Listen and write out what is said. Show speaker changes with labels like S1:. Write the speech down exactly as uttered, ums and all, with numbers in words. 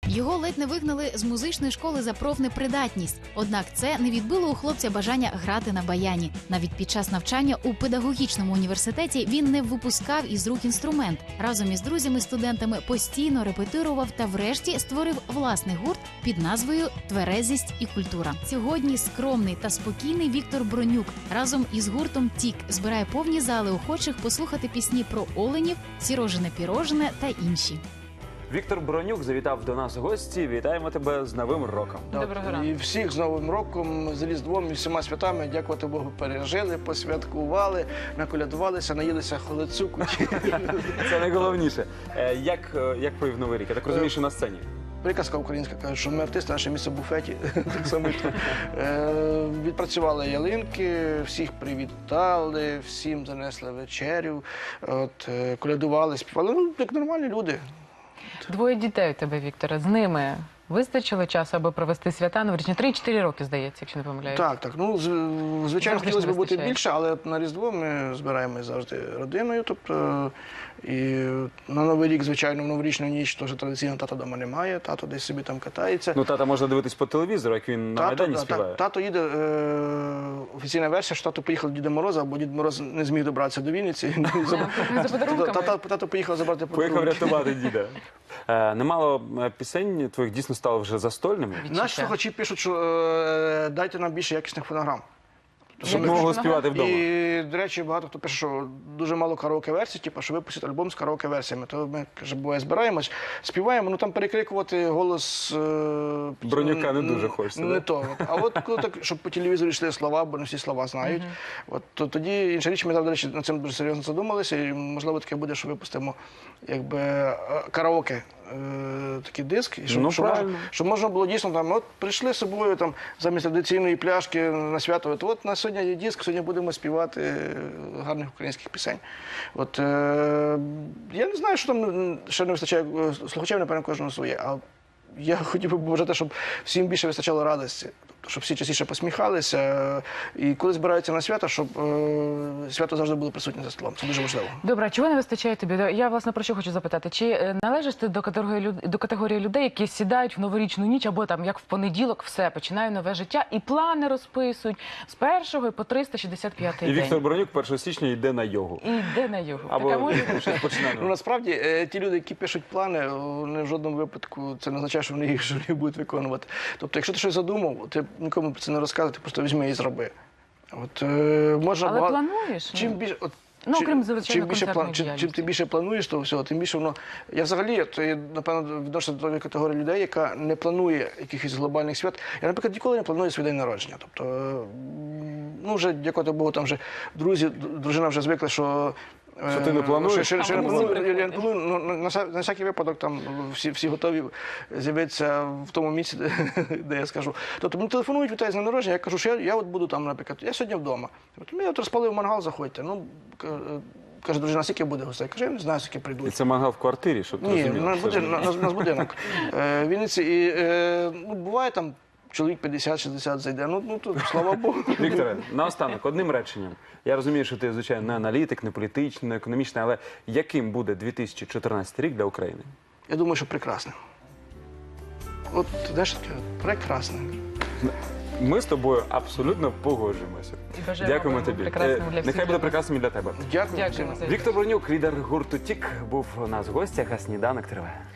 S1: Його ледь не вигнали з музичної школи за профнепридатність. Однак це не відбило у хлопця бажання грати на баяні. Навіть під час навчання у педагогічному університеті він не випускав із рук інструмент. Разом із друзями-студентами постійно репетирував та врешті створив власний гурт під назвою «Тверезість і культура». Сьогодні скромний та спокійний Віктор Бронюк разом із гуртом «Тік» збирає повні зали охочих послухати пісні про оленів, сірожене-пірожене та інші.
S2: Віктор Бронюк завітав до нас у гості. Вітаємо тебе з Новим роком.
S3: Доброго ранку. І всіх з Новим роком, з Різдвом і всіма святами, дякувати Богу, пережили, посвяткували, наколядувалися, наїлися холодцю.
S2: Це найголовніше. Як, як провів Новий рік? Я так розумію, що на сцені.
S3: Приказка українська каже, що ми артисти, наше місце в буфеті. Так само і тут. Е, відпрацювали ялинки, всіх привітали, всім занесли вечерю, от, е, колядували, співали. Ну, як нормальні люди.
S4: Двоє дітей у тебе, Вікторе. З ними вистачило часу, аби провести свята новорічні? три-чотири роки, здається, якщо не помиляюсь.
S3: Так, так. Ну, з- звичайно,
S4: Завжди
S3: хотілося б
S4: не
S3: бути
S4: вистачає.
S3: більше, але на Різдво ми збираємось завжди родиною. Тобто, і на Новий рік, звичайно, в новорічну ніч теж традиційно тата вдома немає, тато десь собі там катається.
S2: Ну, тата можна дивитись по телевізору, як він на Майдані
S3: да,
S2: співає.
S3: та- тато їде, е, офіційна версія, що тато поїхав до Діда Мороза, бо Дід Мороз не зміг добратися до Вінниці.
S4: За подарунками?
S3: Тато тато поїхав забрати
S2: Поїхав
S3: подарунки.
S2: рятувати діда. Е, Немало е, пісень твоїх дійсно стало вже застольними.
S3: Наші слухачі пишуть, що е, дайте нам більше якісних фонограм.
S2: Щоб ми могли співати вдома.
S3: І, до речі, багато хто пише, що дуже мало караоке-версій, типу, що випустять альбом з караоке-версіями. То ми, каже, буває, збираємось, співаємо, ну там перекрикувати голос... Е,
S2: Бронюка не
S3: м,
S2: дуже хочеться,
S3: Не
S2: да?
S3: то. А от коли так, щоб по телевізору йшли слова, бо не всі слова знають, от, то тоді інша річ, ми, до речі, над цим дуже серйозно задумалися, і, можливо, таке буде, що випустимо якби е, караоке. е, Такий диск, і щоб,
S2: Ну,
S3: щоб, можна,
S2: правильно.
S3: щоб можна було дійсно там, от прийшли з собою там замість традиційної пляшки на свято. От, от на сьогодні є диск, сьогодні будемо співати е, гарних українських пісень. От е, я не знаю, що там ще не вистачає е, слухачів, напевно, кожного своє. А я хотів би побажати, щоб всім більше вистачало радості. Тобто, щоб всі частіше посміхалися. е, І коли збираються на свято, щоб е, свято завжди було присутнє за столом. Це дуже важливо.
S4: Добре, а чого не вистачає тобі? Я, власне, про що хочу запитати. Чи е, належиш ти до категорії, люд- до категорії людей, які сідають в новорічну ніч, або там, як в понеділок, все, починаю нове життя, і плани розписують з першого по триста шістдесят п'ятий
S2: І
S4: день.
S2: Віктор Бронюк першого січня йде на йогу.
S4: І йде на його.
S2: Або
S4: Таке може бути?
S2: щось починає.
S3: Ну, насправді, е, ті люди, які пишуть плани, вони в жодному випадку це не означає, що вони їх що вони будуть виконувати. Тобто, якщо ти щось задумав, ти нікому про це не розказуй, ти просто візьми і зроби. От, е, можна
S4: Але
S3: багато-
S4: плануєш?
S3: Чим більше, от,
S4: Ну,
S3: чим-
S4: окрім, звичайно,
S3: чим більше,
S4: концертної
S3: план- чим, чим ти
S4: діяльності.
S3: більше плануєш того всього, тим більше воно... Я взагалі, то я, напевно, відношуся до тої категорії людей, яка не планує якихось глобальних свят. Я, наприклад, ніколи не планую свій день народження. Тобто, е, ну, вже, дякувати Богу, там вже друзі, дружина вже звикла, що... е,
S2: Що ти не плануєш?
S3: Що, що, що я не
S4: А
S3: планую,
S4: вони
S3: я не планую, ну, на, на, вся- на всякий випадок там всі, всі готові з'явитися в тому місці, де, де я скажу. Тобто мені телефонують, вітають з днем народження, я кажу, що я, я от буду там, наприклад, я сьогодні вдома. От, я от розпалив мангал, заходьте. Ну, к- е, каже, дружина, скільки буде гостей? Каже, я не знаю, скільки
S2: І
S3: прийдуть.
S2: це мангал в квартирі, щоб ти
S3: Ні,
S2: розумів.
S3: на,
S2: Це
S3: буде,
S2: ж-
S3: на, на, на будинок. Е, в Вінниці, і, е, ну, буває там чоловік п'ятдесят-шістдесят зайде. Ну, ну тут, слава Богу.
S2: Вікторе, наостанок, одним реченням. Я розумію, що ти, звичайно, не аналітик, не політичний, не економічний, але яким буде дві тисячі чотирнадцятий рік для України?
S3: Я думаю, що прекрасно. От, знаєш, таке, прекрасно.
S2: Ми з тобою абсолютно погоджуємося.
S4: І бажаємо,
S2: Дякуємо
S4: аби
S2: тобі.
S4: був прекрасним
S2: Е,
S4: для всіх
S2: Нехай буде
S4: нас.
S2: прекрасним і для тебе.
S3: Дякую.
S4: Дякуємо
S3: всім.
S4: за
S2: Віктор Бронюк, лідер гурту «Тік», був у нас в гостях, а сніданок триває.